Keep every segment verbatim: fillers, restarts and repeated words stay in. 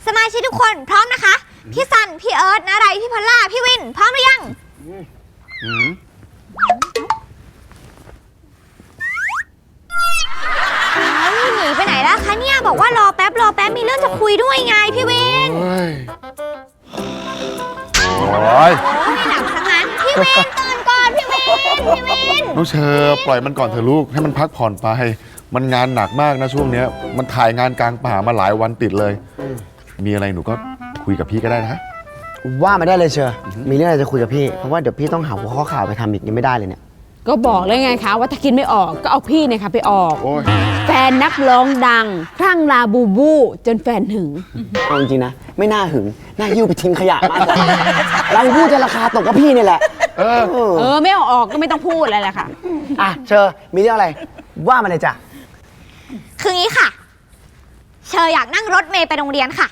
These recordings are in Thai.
สมาชิกทุกคนพร้อมนะคะพี่ซันพี่เอิร์ธนาไรพี่พอลล่าพี่วินพร้อมหรือยังหนีไปไหนแล้วคะเนี่ยบอกว่ารอแป๊บรอแป๊บมีเรื่องจะคุยด้วยไงพี่วินโอ้ยไม่หลับสังงั้นพี่วินตื่นก่อนพี่วินพี่วินน้องเชอปล่อยมันก่อนเถอะลูกให้มันพักผ่อนไปมันงานหนักมากนะช่วงนี้มันถ่ายงานกลางป่ามาหลายวันติดเลยมีอะไรหนูก็คุยกับพี่ก็ได้นะว่าไม่ได้เลยเชอมีเรื่องอะไรจะคุยกับพี่เพราะว่าเดี๋ยวพี่ต้องหาหัวข้อข่าวไปทำอีกยังไม่ได้เลยเนี่ยก็บอกเลยไงคะว่าถ้ากินไม่ออกก็เอาพี่เนี่ยค่ะไปออกแฟนนักร้องดังคลั่งลาบูบูจนแฟนหึงเอาจริงๆนะไม่น่าหึงน่ายิ้วไปทิ้งขยะมากกว่าลาบูบูจะราคาตกกับพี่นี่แหละเออเออไม่เอาออกก็ไม่ต้องพูดอะไรแหละค่ะอ่ะเชอมีเรื่องอะไรว่ามาเลยจ้ะคืองี้ค่ะเชออยากนั่งรถเมล์ไปโรงเรียนค่ะ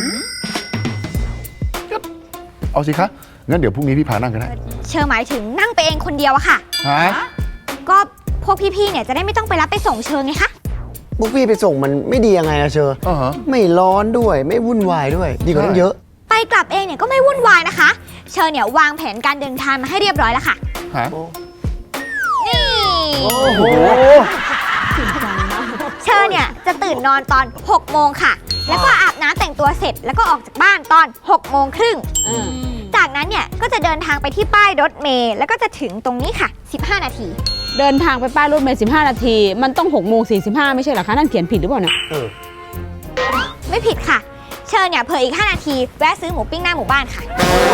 เอาสิคะงั้นเดี๋ยวพรุ่งนี้พี่พานั่งกันได้เชอหมายถึงนั่งไปเองคนเดียวอะค่ะฮะก็พวกพี่ๆเนี่ยจะได้ไม่ต้องไปรับไปส่งเชอไงคะพวกพี่ไปส่งมันไม่ดียังไงอะเชออ๋อไม่ร้อนด้วยไม่วุ่นวายด้วยดีกว่านั้นเยอะไปกลับเองเนี่ยก็ไม่วุ่นวายนะคะเชอเนี่ยวางแผนการเดินทางมาให้เรียบร้อยแล้วค่ะฮะนี่โอ้โหเชอเนี่ยจะตื่นนอนตอนหกโมงค่ะแล้วก็อาบน้ำแต่งตัวเสร็จแล้วก็ออกจากบ้านตอนหกโมงครึ่งจากนั้นเนี่ยก็จะเดินทางไปที่ป้ายรถเมล์แล้วก็จะถึงตรงนี้ค่ะสิบห้านาทีเดินทางไปป้ายรถเมล์สิบห้านาทีมันต้องหกโมงสี่สิบห้าไม่ใช่เหรอคะนั่นเขียนผิดหรือเปล่าเนี่ยไม่ผิดค่ะเชิญเนี่ยเผื่ออีกห้านาทีแวะซื้อหมูปิ้งหน้าหมู่บ้านค่ะ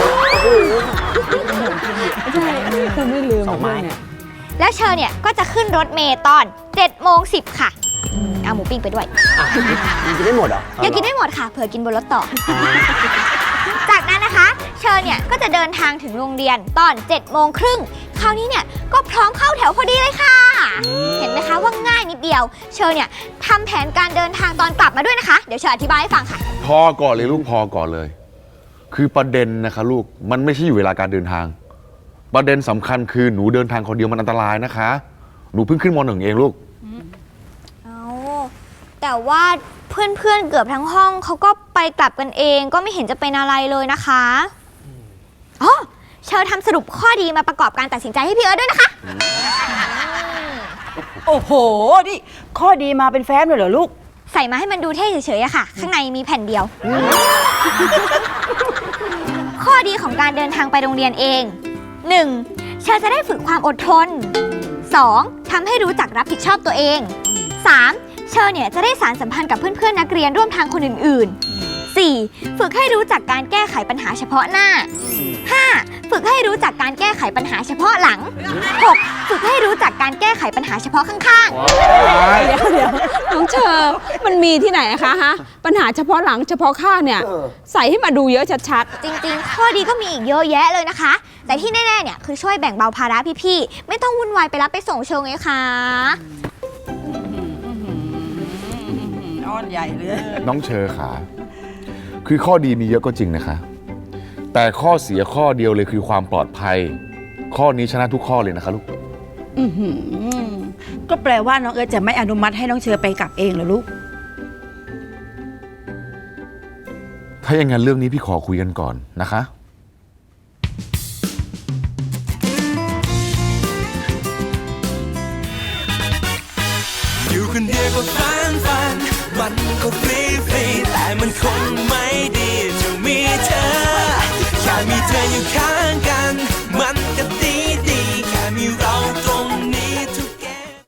ใช่เธอไม่ลืมเนี่ยแล้วเชิญเนี่ยก็จะขึ้นรถเมล์ตอนเจ็ดโมงสิบค่ะเอาหมูปิ้งไปด้วยกินได้หมดเหรออย่ากินได้หมดค่ะเผื่อกินบนรถต่อจากนั้นนะคะเชิญเนี่ยก็จะเดินทางถึงโรงเรียนตอนเจ็ดโมงครึ่งคราวนี้เนี่ยก็พร้อมเข้าแถวพอดีเลยค่ะเห็นไหมคะว่าง่ายนิดเดียวเชิญเนี่ยทำแผนการเดินทางตอนกลับมาด้วยนะคะเดี๋ยวเชิญอธิบายให้ฟังค่ะพอก่อนเลยลูกพอก่อนเลยคือประเด็นนะคะลูกมันไม่ใช่อยู่เวลาการเดินทางประเด็นสำคัญคือหนูเดินทางคนเดียวมันอันตรายนะคะหนูเพิ่งขึ้นม.หนึ่งเองลูกเอาแต่ว่าเพื่อนๆเกือบทั้งห้องเขาก็ไปกลับกันเองก็ไม่เห็นจะเป็นอะไรเลยนะคะอ๋อเชิญทำสรุปข้อดีมาประกอบการตัดสินใจให้พี่เอิร์ธด้วยนะคะโอ้โหนี่ข้อดีมาเป็นแฟ้มเลยเหรอลูกใส่มาให้มันดูเท่เฉยๆอะค่ะข้างในมีแผ่นเดียวข้อดีของการเดินทางไปโรงเรียนเอง หนึ่ง เชิญจะได้ฝึกความอดทน สอง ทำให้รู้จักรับผิดชอบตัวเอง สามเชอเนี่ยจะได้สานสัมพันธ์กับเพื่อนๆนักเรียนร่วมทางคนอื่นๆ สี่ ฝึกให้รู้จักการแก้ไขปัญหาเฉพาะหน้า ห้า ฝึกให้รู้จักการแก้ไขปัญหาเฉพาะหลัง หก ฝึกให้รู้จักการแก้ไขปัญหาเฉพาะข้างๆ เดี๋ยวเดี๋ยวน้องเชอมันมีที่ไหนคะฮะปัญหาเฉพาะหลังเฉพาะข้างเนี่ยใส่ให้มาดูเยอะชัดๆจริงๆข้อดีก็มีอีกเยอะแยะเลยนะคะแต่ที่แน่ๆเนี่ยคือช่วยแบ่งเบาภาระพี่ๆไม่ต้องวุ่นวายไปรับไปส่งเชอไงคะอ้อนใหญ่เลยน้องเชอขาคือข้อดีมีเยอะก็จริงนะคะแต่ข้อเสียข้อเดียวเลยคือความปลอดภัยข้อนี้ชนะทุกข้อเลยนะคะลูกก็แปลว่าน้องเอิร์ธจะไม่อนุมัติให้น้องเชอไปกลับเองเหรอลูกถ้าอย่างนั้นเรื่องนี้พี่ขอคุยกันก่อนนะคะอยู่คนเดียวก็ฟันฟันมันก็ฟรีฟรีแต่มันคงไม่ดีจะมีเธอแค่มีเธออยู่ข้าง